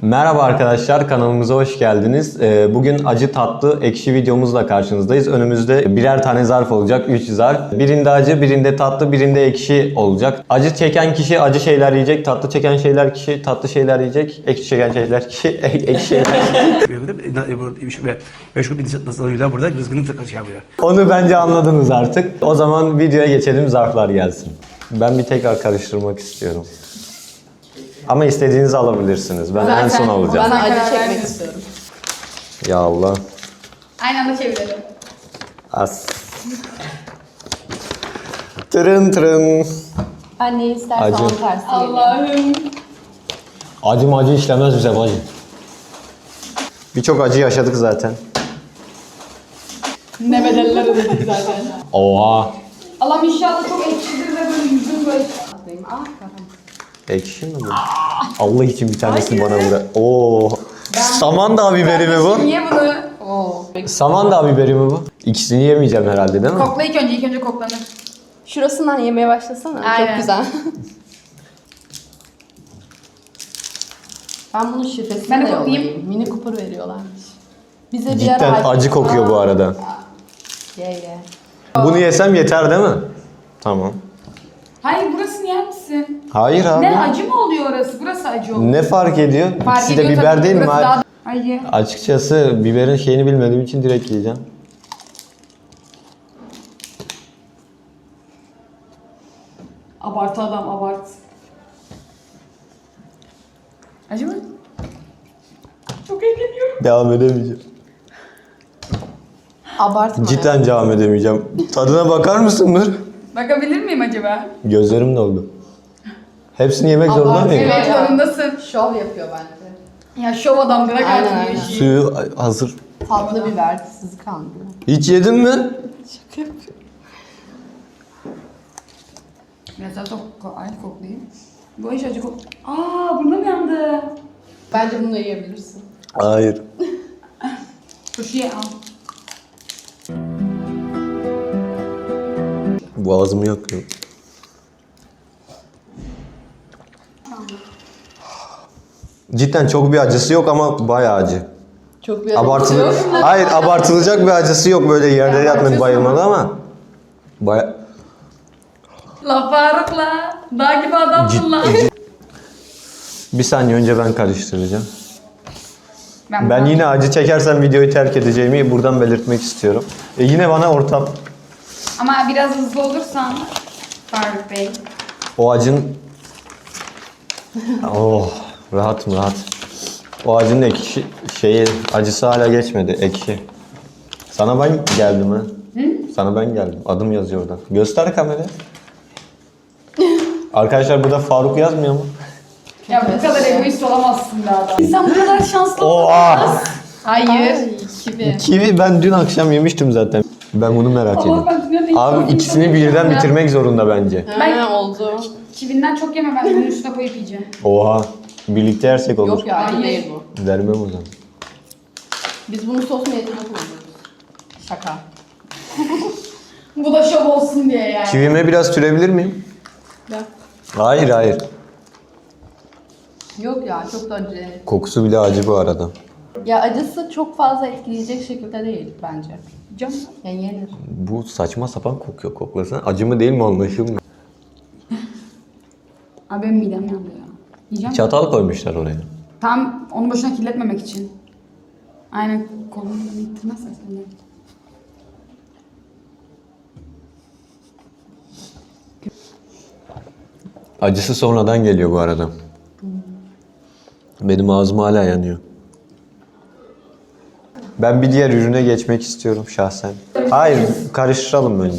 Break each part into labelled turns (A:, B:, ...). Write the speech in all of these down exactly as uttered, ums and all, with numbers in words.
A: Merhaba arkadaşlar, kanalımıza hoş geldiniz. Bugün acı tatlı ekşi videomuzla karşınızdayız. Önümüzde birer tane zarf olacak, üç zarf. Birinde acı, birinde tatlı, birinde ekşi olacak. Acı çeken kişi acı şeyler yiyecek, tatlı çeken şeyler kişi tatlı şeyler yiyecek, ekşi çeken şeyler kişi ekşi şeyler yiyecek.
B: Meşgul bir nasıl burada rızkını şey yapıyor.
A: Onu bence anladınız artık. O zaman videoya geçelim, zarflar gelsin. Ben bir tekrar karıştırmak istiyorum. Ama istediğinizi alabilirsiniz. Ben
C: Zaten
A: en son alacağım.
C: Ben acı
D: Karar
C: çekmek
D: verdim.
C: istiyorum.
A: Ya Allah.
D: Aynı anda çevirelim.
A: As. Tırın tırın.
C: Ben ne istersen
A: Acı.
C: onun tersine geleyim.
D: Allah'ım.
A: Acı macı işlemez bize bacı. Birçok acı yaşadık zaten.
D: Ne bedeller ödedik zaten.
A: Oha.
D: Allah'ım inşallah çok ekşidir ve böyle yüzüm böyle.
C: Ah kafam.
A: Ekşi mi bu? Allah için bir tanesini bana bırak. Oo. Samandağ biberi mi bu?
D: Niye bunu?
C: Oo.
A: Samandağ biberi mi bu? İkisini yemeyeceğim herhalde değil mi?
D: Kokla ilk önce, ilk önce koklanır.
C: Şurasından yemeye başlasana.
D: Aynen.
C: Çok güzel. Ben bunun şifresini
D: Ben de
C: de
D: koklayayım.
C: yollayayım. Mini Cooper veriyorlarmış. Bize bir
A: Cidden
C: ara
A: acı kokuyor bu arada.
C: Ye ye.
A: Bunu yesem yeter değil mi? Tamam.
D: Hayır burasını yer misin?
A: Hayır abi.
D: Ne acı mı oluyor orası? Burası acı oluyor.
A: Ne fark ediyor?
D: Fark
A: İkisi de
D: ediyor
A: biber
D: tabii,
A: değil mi?
D: burası daha- Hayır.
A: Açıkçası biberin şeyini bilmediğim için direkt yiyeceğim.
D: Abartı adam abart. Acı mı? Çok eğleniyorum.
A: Devam edemeyeceğim.
C: Abartma.
A: Cidden devam edemeyeceğim. Tadına bakar mısın Nur?
D: Bakabilir miyim acaba?
A: Gözlerim doldu. Hepsini yemek zorunda
C: Abartı.
A: mıyım?
D: Evet
C: ya.
D: zorundasın.
C: Şov yapıyor bence.
D: Ya şov adam bırak
C: Aynen,
D: artık bu
C: aynen.
D: işi.
A: Suyu hazır.
C: Tatlı biber sizi kandırıyor.
A: Hiç yedin mi?
C: Şaka yapıyorum.
D: Biraz daha çok aynı koklayayım. Bu iş acı kok... Aa burnum yandı.
C: Bence bunu da yiyebilirsin.
A: Hayır.
D: Turşuya al.
A: Boğazımı yakıyor. Cidden çok bir acısı yok ama bayağı acı.
C: Çok bir
A: Abartılı. Hayır, abartılacak bir acısı yok, böyle yerlere yatmak
D: abartıyorsun
A: bayılmalı ama baya
D: La Faruk'la. Dağ gibi adamsın lan.
A: bir saniye önce ben karıştıracağım.
D: Ben,
A: Ben yine acı çekersem videoyu terk edeceğimi buradan belirtmek istiyorum. E yine bana ortam.
D: Ama biraz hızlı olursan Faruk Bey.
A: O acın... Oh, rahatım rahat. O acının ekşi şeyi, acısı hala geçmedi, ekşi. Sana ben geldim ha. Hı? Sana ben geldim. Adım yazıyor orada. Göster kameraya. Arkadaşlar burada Faruk yazmıyor mu?
D: Ya bu kadar egoist olamazsın be adam. İnsan bu kadar şanslı
A: Oha!
D: olamaz. Hayır.
C: Ay, kivi.
A: Kivi ben dün akşam yemiştim zaten. Ben bunu merak
D: Allah
A: ediyorum.
D: ben dünyanın en
A: Abi
D: iyi
A: ikisini
D: insanıyım
A: birden
D: ya.
A: bitirmek zorunda bence.
D: Ben-
C: Ha, oldu.
D: Kivinden çok yeme, ben bunun üstüne koyup yiyeceğim.
A: Oha. Birlikte yersek olur.
C: Yok ya acı
D: Hayır.
C: değil bu.
A: Vermem o zaman.
C: Biz bunu sos niyetine kullanıyoruz. Şaka.
D: Bu da şov olsun diye yani.
A: Kivime biraz sürebilir miyim?
C: Ya.
A: Hayır hayır.
C: Yok ya çok da acı değil.
A: Kokusu bile acı bu arada.
C: Ya acısı çok fazla etkileyecek şekilde değil bence.
D: Canım.
C: Yani yenir.
A: Bu saçma sapan kokuyor, koklasana. Acı mı değil mi anlaşılmıyor.
D: Abi benim midem yandı ya. Yiyeceğim.
A: Çatal koymuşlar oraya.
D: Tam onu boşuna kirletmemek için. Aynen kolunu ittirmezsen sen de.
A: Acısı sonradan geliyor bu arada. Benim ağzım hala yanıyor. Ben bir diğer ürüne geçmek istiyorum şahsen. Hayır, karıştıralım önce.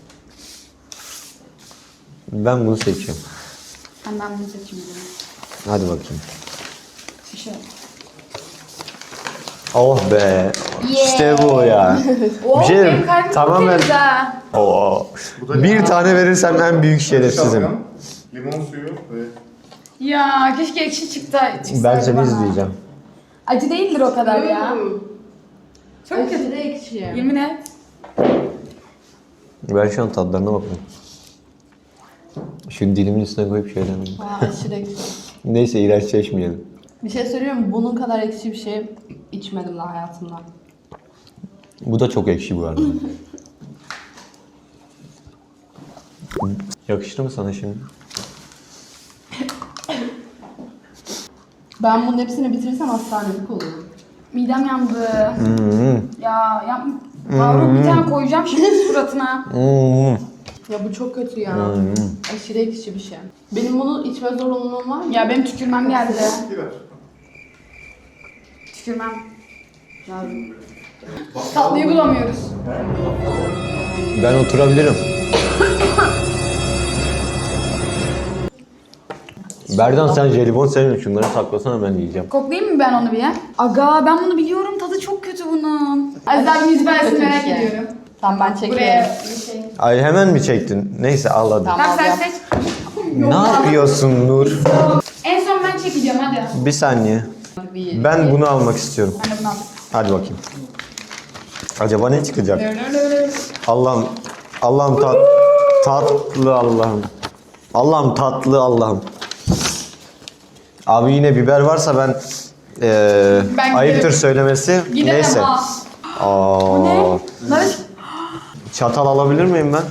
A: Ben bunu seçiyorum.
D: Ben ben bunu seçeyim. o zaman.
A: Hadi bakayım.
D: Bir şey.
A: Oh be. İşte bu ya.
D: Oo,
A: Bir şey
D: benim
A: diyeyim,
D: kalbim
A: tamamen-
D: çok temiz ha.
A: Oo. Bir tane verirsem en büyük şerefsizim.
E: Şalgam, limon suyu ve
D: Ya keşke ekşi çıktı. çıksaydı
A: Ben seni
D: bana.
A: izleyeceğim.
D: Acı değildir o kadar ya. Çok
C: Acı
D: kötü.
C: da ekşi.
D: Yemin et.
A: Ben şu an tadlarına bakıyorum. Şu dilimin üstüne koyup şeyden.
C: Aa, aşırı ekşi.
A: Neyse iğrençleşmeyelim.
C: Bir şey söyleyeyim mi? Bunun kadar ekşi bir şey içmedim daha hayatımda.
A: Bu da çok ekşi bu arada. Yakıştı mı sana şimdi?
C: Ben bunun hepsini bitirirsem hastanelik olurum.
D: Midem yandı.
A: Hmm.
D: Ya yapma. Faruk bir tane koyacağım şimdi suratına.
A: Hmm.
C: Ya bu çok kötü ya. Aşırı ekşi bir şey. Benim bunu içme zorunluluğum var mı?
D: Ya benim tükürmem geldi.
E: Biber.
D: Tükürmem. Tatlıyı bulamıyoruz.
A: Ben oturabilirim. Berdan sen jelibon sevmiyorsun. Şunları saklasana ben yiyeceğim.
D: Koklayayım mı ben onu bir ya? Aga ben bunu biliyorum. Tadı çok kötü bunun. Aziz'den yüz versin
C: Kötü bir
D: merak
C: şey.
D: ediyorum.
C: Tamam ben çekiyorum.
D: Buraya bir şey.
A: Ay hemen mi çektin? Neyse al hadi.
C: Tamam.
D: Tamam sen
C: yap.
D: seç.
A: Ne yapıyorsun Nur?
D: En son ben çekeceğim hadi.
A: Bir saniye.
C: Bir,
A: Ben bunu almak istiyorum.
D: Ben de bunu aldım.
A: Hadi bakayım. Acaba ne çıkacak? Allah'ım, Allah'ım tat, tatlı Allah'ım. Allah'ım tatlı Allah'ım. Abi yine biber varsa ben, eee
D: Ben
A: ayıptır
D: giderim.
A: söylemesi.
D: Gidemem
A: Neyse.
D: ha.
A: Aa,
D: Ne? Nar-
A: çatal alabilir miyim ben?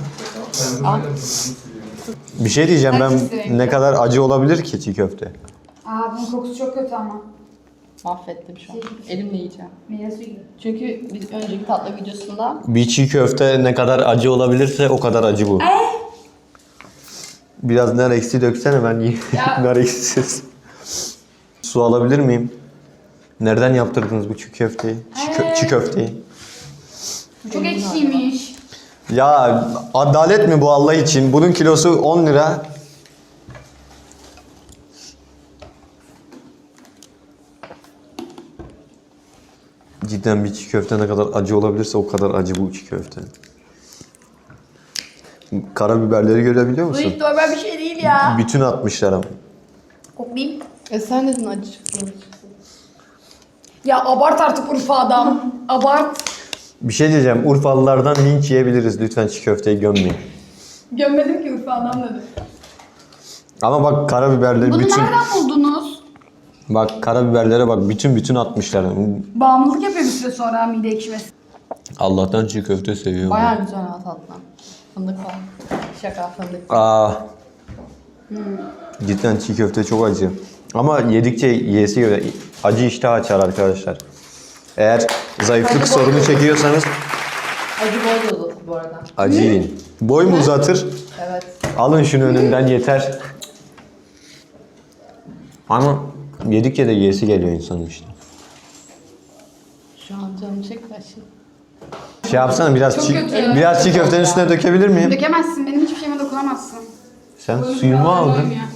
A: Bir şey diyeceğim ben
D: Hangisi?
A: ne kadar acı olabilir ki çiğ köfte?
D: Aa bunun kokusu çok kötü ama.
C: Mahvettim şu an. Elimle yiyeceğim.
D: Meyve suyu gibi.
C: Çünkü biz önceki tatlı videosunda
A: Bir çiğ köfte ne kadar acı olabilirse o kadar acı bu. Biraz nar eksi döksene ben yiyeyim.
D: Ya.
A: Nar eksiz. Su alabilir miyim? Nereden yaptırdınız bu çiğ köfteyi? Çiğ, kö- çiğ köfteyi.
D: Çok ekşiymiş.
A: Ya adalet mi bu Allah için? Bunun kilosu on lira. Cidden bir çiğ köfte ne kadar acı olabilirse o kadar acı bu çiğ köfte. Karabiberleri görebiliyor
D: Bu
A: musun?
D: hiç normal bir şey değil ya.
A: Bütün atmışlar ama.
D: Koklayayım.
C: E sen dedin acı çıksın.
D: Ya abart artık Urfa adam. Abart.
A: Bir şey diyeceğim. Urfalılardan linç yiyebiliriz. Lütfen çiğ köfteyi gömmeyin.
D: Gömmedim ki Urfa adam dedi.
A: Ama bak karabiberleri
D: Bunu
A: bütün...
D: nereden buldunuz?
A: Bak karabiberlere bak bütün bütün atmışlar.
D: Bağımlılık yapıyor bir süre sonra mide ekşimesi.
A: Allah'tan çiğ köfte seviyorum.
C: Bayağı güzel ha tatlı. Fındık falan. Şaka fındık.
A: Aa. Cidden çiğ köfte çok acı. Ama yedikçe yiyesi göre acı iştah açar arkadaşlar. Eğer zayıflık sorunu çekiyorsanız
C: Acı boy da uzatır bu arada.
A: acı yiyin. Boy mu uzatır?
C: Evet.
A: Alın şunu önümden yeter. Ama yedikçe de yiyesi geliyor insanın işte.
C: Şu an canım çekti aşırı.
A: Şey yapsana biraz
D: Çok
A: çiğ,
D: kötü.
A: biraz çiğ köftenin üstüne dökebilir miyim?
D: Dökemezsin. Benim hiçbir şeyime dokunamazsın.
A: Sen
D: Boyun
A: suyumu
D: kurallarına
A: aldın.
D: uymuyor.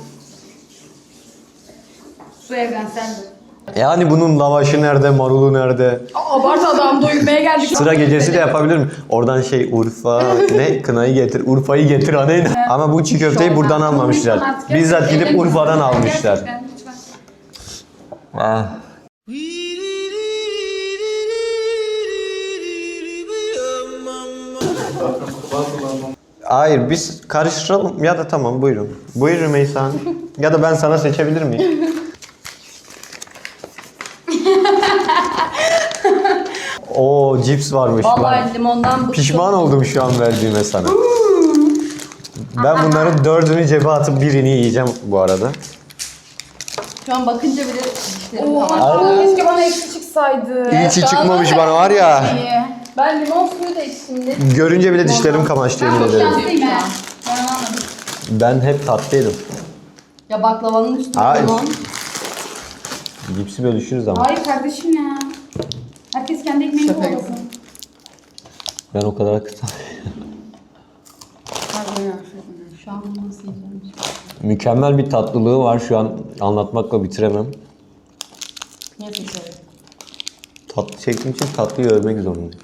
D: Su evrenseldir.
A: Yani bunun lavaşı nerede, marulu nerede?
D: Aa, abart adam doyurmaya geldik.
A: Sıra gecesi de yapabilir mi? Oradan şey Urfa, ne? Kınayı getir, Urfa'yı getir anayın. Ama bu çiğ köfteyi buradan almamışlar.
D: Artık
A: Bizzat gidip
D: gerçekten-
A: Urfa'dan almışlar.
D: Gerçekten, lütfen.
A: Ah. Hayır biz karıştıralım ya da tamam buyurun. Buyur Rümeysa Hanım. Ya da ben sana seçebilir miyim? Oo cips varmış.
C: Vallahi limondan bıktım.
A: Pişman oldum şu an verdiğime sana. Ben bunların dördünü cebe atıp birini yiyeceğim bu arada.
C: Şu an bakınca bile dişlerim
D: Oha,
C: kamaştı.
D: keşke bana eksi çıksaydı.
A: İyi ki
C: şu an
A: çıkmamış
C: var
A: bana var ya.
D: İyi.
C: Ben limon suyu da içtim de.
A: Görünce bile dişlerim kamaştı
D: Ben
A: yemin
D: çok
A: ederim.
D: şanslıyım he. Ben anlamadım.
A: Ben hep tatlıydım.
C: Ya baklavanın üstüne
A: Hayır.
C: limon.
A: Cipsi bölüşürüz ama.
D: Hayır kardeşim ya. Herkes kendi ekmeğini
C: Şaka
D: kovalasın.
A: Ben o kadar kısa.
C: Şu an bunu nasıl yiyeceğim?
A: Mükemmel bir tatlılığı var şu an anlatmakla bitiremem.
C: Niye seçerim?
A: Tatlı çektiğim için tatlıyı övmek zorundayım.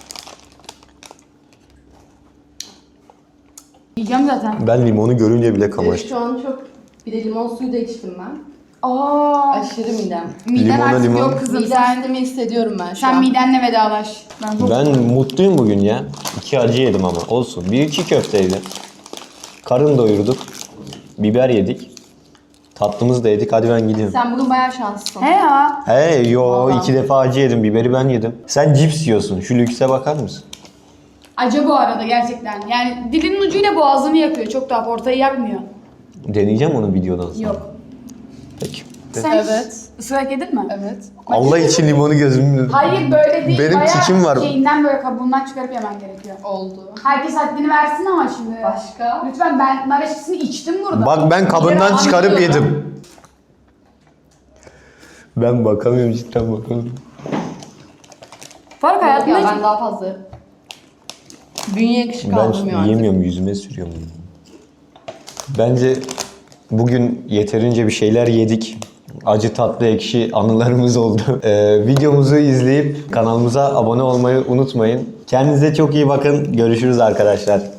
D: Yiyeceğim zaten.
A: Ben limonu görünce bile
C: Evet,
A: kamaştım.
C: şu an çok... Bir de limon suyu da içtim ben.
D: Aa.
C: Aşırı midem.
D: Miden
A: Limonla
D: artık
C: şey
A: limon.
D: yok kızım.
C: Mide
D: Sen,
C: sistemi hissediyorum ben şu
D: sen
C: an.
D: midenle vedalaş. Ben çok...
A: Ben mutluyum bugün ya. İki acı yedim ama olsun. Bir çiğ köfteydi. Karın doyurduk. Biber yedik. Tatlımızı da yedik. Hadi ben gidiyorum.
C: Sen bugün bayağı şanslısın.
D: He ya.
A: Hey yo
C: Vallahi.
A: iki defa acı yedim. Biberi ben yedim. Sen cips yiyorsun. Şu lükse bakar mısın?
D: Acı bu arada gerçekten. Yani dilinin ucuyla boğazını yakıyor. Çok daha ortayı yakmıyor.
A: Deneyeceğim onu videodan sonra.
D: Yok.
A: Peki.
D: Sen
C: Evet.
D: ısırak yedin mi?
C: Evet.
A: Allah için limonu gözümün...
D: Hayır böyle değil.
A: Benim
D: Bayağı
A: tikim var.
D: Şeyinden böyle kabuğundan çıkarıp yemen gerekiyor.
C: Oldu.
D: Herkes haddini versin ama şimdi.
C: Başka?
D: Lütfen ben nar ekşisini içtim burada.
A: Bak ben kabından
D: Yere
A: çıkarıp
D: anlıyorum.
A: yedim. Ben bakamıyorum cidden bakamıyorum.
D: Fark hayatımda
C: Ya
D: hiç...
C: ben daha fazla bünye yakışı
A: Ben
C: kaldırmıyor artık.
A: yiyemiyorum, yüzüme sürüyorum. Bence bugün yeterince bir şeyler yedik. Acı tatlı ekşi anılarımız oldu. Ee, videomuzu izleyip kanalımıza abone olmayı unutmayın. Kendinize çok iyi bakın. Görüşürüz arkadaşlar.